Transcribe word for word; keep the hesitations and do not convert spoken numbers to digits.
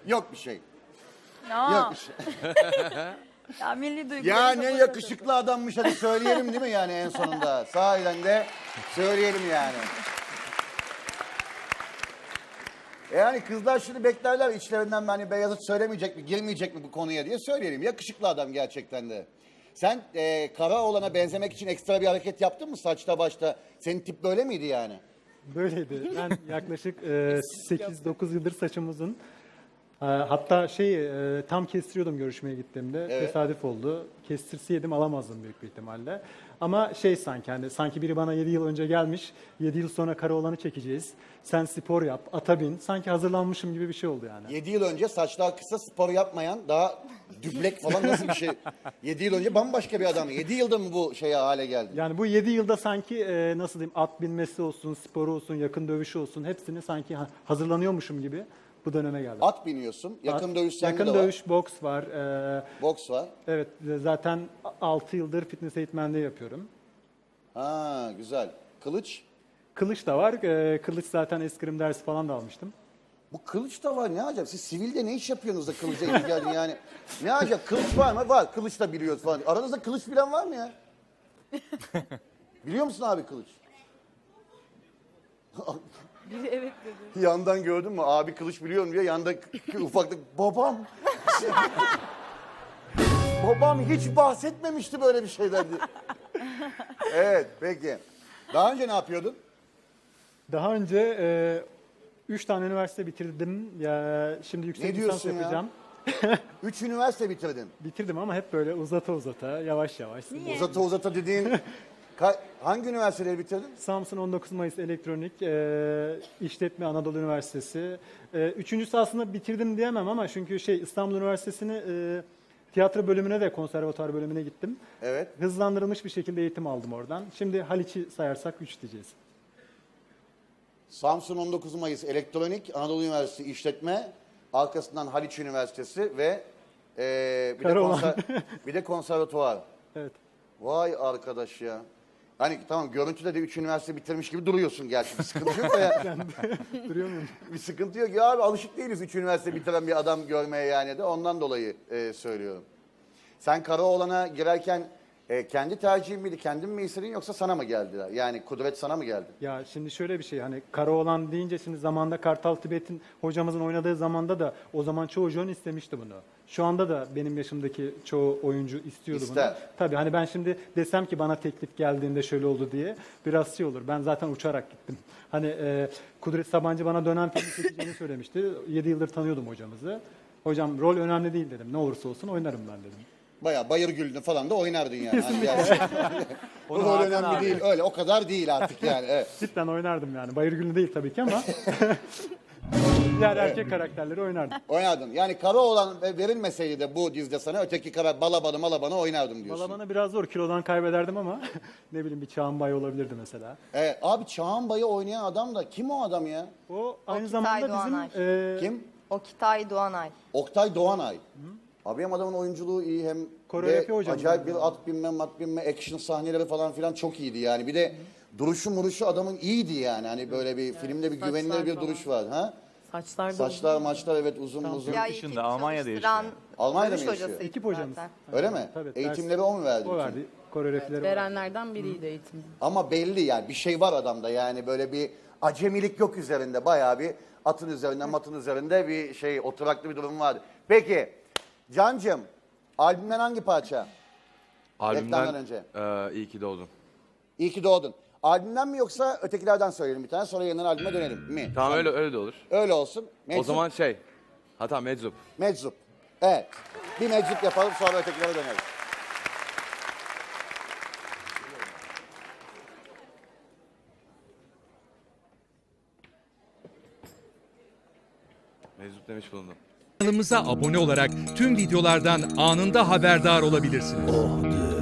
Yok bir şey. Ya. Yok bir şey. Ya milli duyguları. Ya ne yakışıklı adammış, hadi söyleyelim değil mi yani en sonunda? Sahiden de söyleyelim yani. Yani kızlar şimdi beklerler içlerinden hani Beyazıt söylemeyecek mi, girmeyecek mi bu konuya diye söyleyelim. Yakışıklı adam gerçekten de. Sen e, Karaoğlan'a benzemek için ekstra bir hareket yaptın mı saçta başta? Senin tip böyle miydi yani? Böyleydi. Ben yaklaşık e, sekiz dokuz yıldır saçım uzun. E, hatta şey e, tam kestiriyordum görüşmeye gittiğimde. Evet. Tesadüf oldu. Kestirseydim alamazdım büyük bir ihtimalle. Ama şey sanki hani sanki biri bana yedi yıl önce gelmiş. yedi yıl sonra Karaoğlan'ı çekeceğiz. Sen spor yap, ata bin. Sanki hazırlanmışım gibi bir şey oldu yani. Yedi yıl önce saçlar kısa, spor yapmayan, daha düblek falan nasıl bir şey? Yedi yıl önce bambaşka bir adam. Yedi yılda mı bu şeye hale geldi? Yani bu yedi yılda sanki e, nasıl diyeyim at binmesi olsun, sporu olsun, yakın dövüşü olsun hepsini sanki ha- hazırlanıyormuşum gibi bu döneme geldim. At biniyorsun, yakın At- dövüş sende Yakın de var. dövüş, boks var. E, Boks var. evet zaten altı yıldır fitness eğitmenliği yapıyorum. Ha güzel. Kılıç. Kılıç da var. E, kılıç zaten eskrim dersi falan da almıştım. Bu kılıç da var, ne acaba? Siz sivilde ne iş yapıyorsunuz da kılıca ilgi geldin yani? Ne acaba? Kılıç var mı? Var. Kılıç da biliyoruz falan. Aranızda kılıç bilen var mı ya? Biliyor musun abi kılıç? Biri evet dedi. Yandan gördün mü? Abi kılıç biliyorum diye yanda ufaklık babam. Babam hiç bahsetmemişti böyle bir şeyden diye. Evet peki. Daha önce ne yapıyordun? Daha önce e, üç tane üniversite bitirdim. Ya şimdi yüksek Ne lisans diyorsun ya? yapacağım. Üç üniversite bitirdin. Bitirdim ama hep böyle uzata uzata, yavaş yavaş. Uzata uzata dediğin ka- hangi üniversiteleri bitirdin? Samsun on dokuz Mayıs Elektronik, e, İşletme Anadolu Üniversitesi. E, üçüncüsü aslında bitirdim diyemem ama çünkü şey İstanbul Üniversitesi'ni e, tiyatro bölümüne ve konservatuar bölümüne gittim. Evet. Hızlandırılmış bir şekilde eğitim aldım oradan. Şimdi Haliç'i sayarsak üç diyeceğiz. Samsun on dokuz Mayıs Elektronik, Anadolu Üniversitesi İşletme, arkasından Haliç Üniversitesi ve eee bir, de Karaoğlan. konser, bir de konservatuvar. Evet. Vay arkadaş ya. Hani tamam görüntüde de üç üniversite bitirmiş gibi duruyorsun gerçi. Bir sıkıntı yok da ya. Duruyor muyum? Bir sıkıntı yok. Ya abi alışık değiliz üç üniversite bitiren bir adam görmeye yani de ondan dolayı eee, söylüyorum. Sen Karaoğlan'a girerken e, kendi tercihin miydi, kendin mi istedin yoksa sana mı geldiler? Yani kudret sana mı geldi? Ya şimdi şöyle bir şey hani Karaoğlan deyince şimdi zamanda Kartal Tibet'in hocamızın oynadığı zamanda da o zaman çoğu jön istemişti bunu. Şu anda da benim yaşımdaki çoğu oyuncu istiyordu İster. bunu. Tabii hani ben şimdi desem ki bana teklif geldiğinde şöyle oldu diye biraz şey olur. Ben zaten uçarak gittim. Hani e, Kudret Sabancı bana dönem filmi çekeceğini söylemişti. yedi yıldır tanıyordum hocamızı. Hocam rol önemli değil dedim. Ne olursa olsun oynarım ben dedim. Bayağı Bayır Gül'ünü falan da oynardın yani. Hani gerçekten. Onu Rol Hakan önemli abi. değil. Öyle o kadar değil artık yani. Evet. Cidden oynardım yani. Bayır Gül'ü değil tabii ki ama diğer erkek karakterleri oynardım. Oynardın. Yani Karaoğlan verilmeseydi de bu dizide sana öteki kara balabanı malabanı oynardım diyorsun. Valla bana biraz zor. Kilodan kaybederdim ama ne bileyim bir Çağan Bay olabilirdi mesela. Evet, abi Çağan Bay'ı oynayan adam da kim o adam ya? O aynı Oktay zamanda bizim Doğanay. e, Kim? Okitay Doğanay. Oktay Doğanay. Abi hem adamın oyunculuğu iyi hem Koreografi de hocamız acayip yani. bir at binme, mat binme, action sahneleri falan filan çok iyiydi yani. Bir de duruşu muruşu adamın iyiydi yani. Hani böyle bir filmde bir saçlar güvenilir bir falan. duruş var. Ha? Saçlar da Saçlar maçlar evet uzun uzun. Ya dışında, ekip Almanya'da çalıştıran yaşıyor. Almanya'da mı dövüş yaşıyor? hocasıydı ekip hocamız. zaten. Öyle mi? Tabii, ders- Eğitimleri o mu verdi? O bütün? verdi. Koreografileri o. Verenlerden biriydi eğitim. Ama belli yani bir şey var adamda yani böyle bir acemilik yok üzerinde. Bayağı bir atın üzerinde matın üzerinde bir şey oturaklı bir durum vardı. Peki Cancığım albümden hangi parça? Reklamdan Albümden önce. eee iyi ki doğdun. İyi ki doğdun. Albümden mi yoksa ötekilerden söyleyelim bir tane sonra yeniden albüme dönelim mi? Tamam öyle öyle de olur. Öyle olsun. Meczup, O zaman şey. Hatta meczup. Meczup. Evet. Bir meczup yapalım sonra ötekilere dönelim. Meczup demiş bulundum. Kanalımıza abone olarak tüm videolardan anında haberdar olabilirsiniz.